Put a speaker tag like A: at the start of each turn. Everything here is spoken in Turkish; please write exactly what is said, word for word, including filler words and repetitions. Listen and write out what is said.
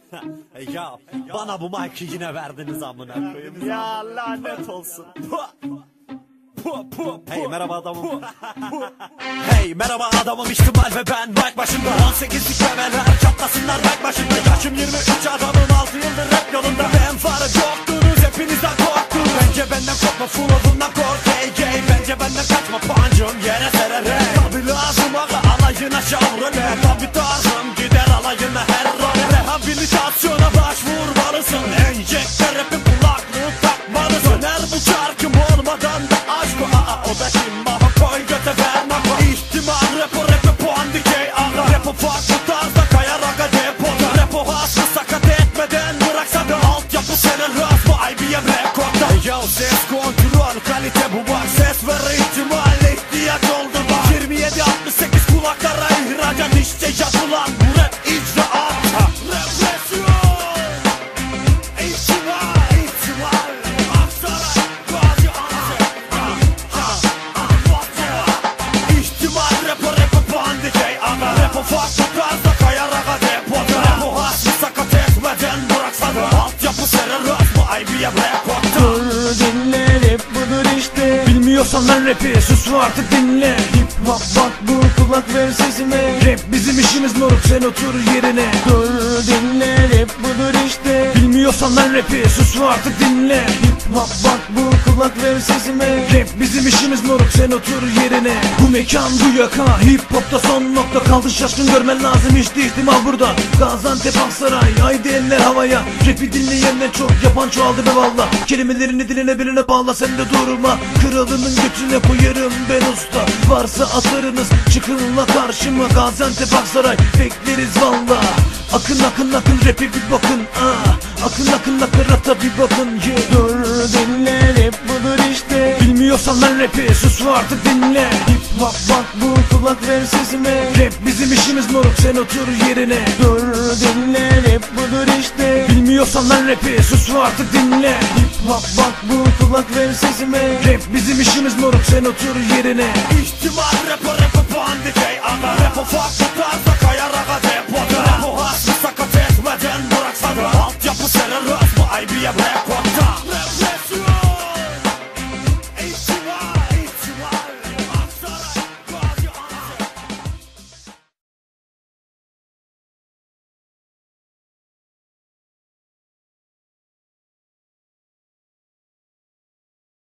A: Ya bana bu mic'ı yine verdiniz amına koyayım. Ya lanet olsun. Hey merhaba adamım. Hey merhaba adamım, ihtimal ve ben mic başında. On sekizlik bebeler çatlasınlar mic başında. Yaşım yirmi üç, adamım altı yıldır rap yolunda. Ben farı yoktunuz, hepinizden korktunuz. Bence benden korkma, flow'undan kork. Hey gay, bence benden kaçma, pancım yere sererek. Tabi lazım aga alayına şavrole. Tabi tarzım gider alayına her role. Rehabilitasyona başvurmalısın. Enjekte rap'in kulaklığı takmalısın. Döner bu çarkım olmadan da aşk o. Aa o da kim, maha koy göte ver nako. İhtimal rapo rap'e puan dikey aga. Rapo farklı tarzda kayar aga depoda. Rapo hasta sakat etmeden bıraksa da altyapı senin rast bu I B M rekorda. Yo ses kontrol kalite bu bak. Ses ver ihtimalle ihtiyaç oldu bak. Yirmi yedi altmış sekiz kulaklara ihracat işte yapılan bu rap icraat. Represyon İhtimal İhtimal Aksaray Gazi Antep. İhtimal rapo rapo pandikey aga. Rapo farklı tarzda kayar aga depoda. Rapo hasmi sakat etmeden bıraksa da altyapı senin rast bu I B M rekorda.
B: Dur dinle, rap budur işte. Bilmiyorsan lan rapi sus artık dinle. Hip hop bak bu, kulak ver sesime. Rap bizim işimiz moruk, sen otur yerine. Dur dinle, rap budur işte. Bilmiyorsan lan rapi sus artık dinle. Hip hop bak bu, kulak ver sesime. Rap bizim işimiz moruk, sen otur yerine. Bu mekan bu yaka, hip hopta son nokta. Kaldı şaşkın, görmen lazım işte ihtimal burada. Gaziantep Aksaray, haydi eller havaya. Rapi dinleyenler çok, yapan çoğaldı be valla. Kelimelerini diline birine bağla, sen de durma. Kralının götüne koyarım ben usta. Varsa atarınız çıkınla karşıma. Gaziantep Aksaray bekleriz valla. Akın akın akın rapi bir bakın ah. Akın akın akın rata bir bakın yeah. Dur dinle, rap budur işte. Bilmiyorsan lan rapi sus artık dinle. Hip hop bak bu, kulak ver sesime. Rap bizim işimiz moruk, sen otur yerine. Dur dinle, rap budur işte. Bilmiyorsan lan rapi sus artık dinle. Hip hop bak bu, kulak ver sesime. Rap bizim işimiz moruk, sen otur yerine.
A: İhtimal rapo rapo pandikey aga. Rapo farklı